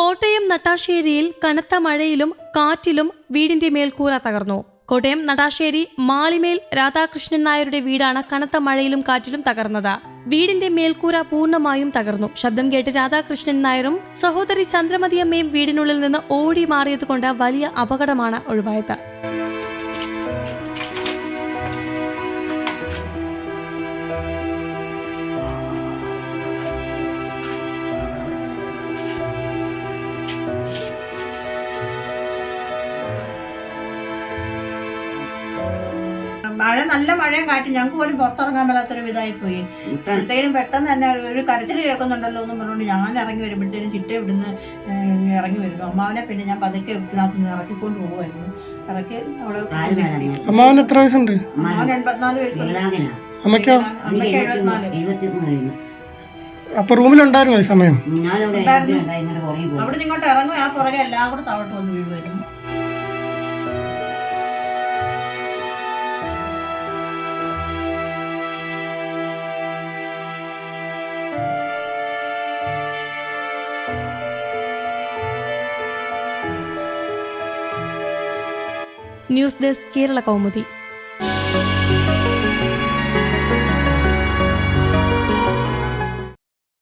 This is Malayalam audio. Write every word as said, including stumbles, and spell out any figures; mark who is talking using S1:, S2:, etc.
S1: കോട്ടയം നട്ടാശ്ശേരിയിൽ കനത്ത മഴയിലും കാറ്റിലും വീടിന്റെ മേൽക്കൂര തകർന്നു. കോട്ടയം നടാശ്ശേരി മാളിമേൽ രാധാകൃഷ്ണൻ നായരുടെ വീടാണ് കനത്ത മഴയിലും കാറ്റിലും തകർന്നത്. വീടിന്റെ മേൽക്കൂര പൂർണ്ണമായും തകർന്നു. ശബ്ദം കേട്ട് രാധാകൃഷ്ണൻ നായരും സഹോദരി ചന്ദ്രമതിയമ്മയും വീടിനുള്ളിൽ നിന്ന് ഓടി മാറിയതുകൊണ്ട് വലിയ അപകടമാണ് ഒഴിവായത്.
S2: മഴ നല്ല മഴയും കാറ്റും ഞങ്ങൾക്ക് പോലും പുറത്തിറങ്ങാൻ മേലാത്തൊരു ഇതായി പോയി. ഇപ്പോഴത്തേനും പെട്ടെന്ന് തന്നെ ഒരു കരച്ചിൽ കേൾക്കുന്നുണ്ടല്ലോ എന്ന് പറഞ്ഞുകൊണ്ട് ഞാൻ ഇറങ്ങി വരുമ്പോഴത്തേനും ചിട്ട ഇവിടുന്ന് ഇറങ്ങി വരുന്നു. അമ്മാവനെ പിന്നെ ഞാൻ പതുക്കെ ഇതിനകത്ത് ഇറക്കിക്കൊണ്ട് പോകുമായിരുന്നു. ഇറക്കി അവള്
S3: അമ്മാവന് എത്ര വയസ്സുണ്ട്?
S2: അമ്മാവൻ എൺപത്തിനാല് വയസ്സുണ്ട്.
S3: അമ്മയ്ക്കോ?
S2: അമ്മയ്ക്ക് എഴുപത്തിനാല്.
S3: അപ്പൊ റൂമിലുണ്ടായിരുന്നു ഈ സമയം?
S2: അവിടെ ഇങ്ങോട്ട് ഇറങ്ങും, ആ പുറകെ എല്ലാം കൂടെ താഴോട്ട് വന്ന് വീഴുമായിരുന്നു.
S1: News desk Kerala Kaumudi.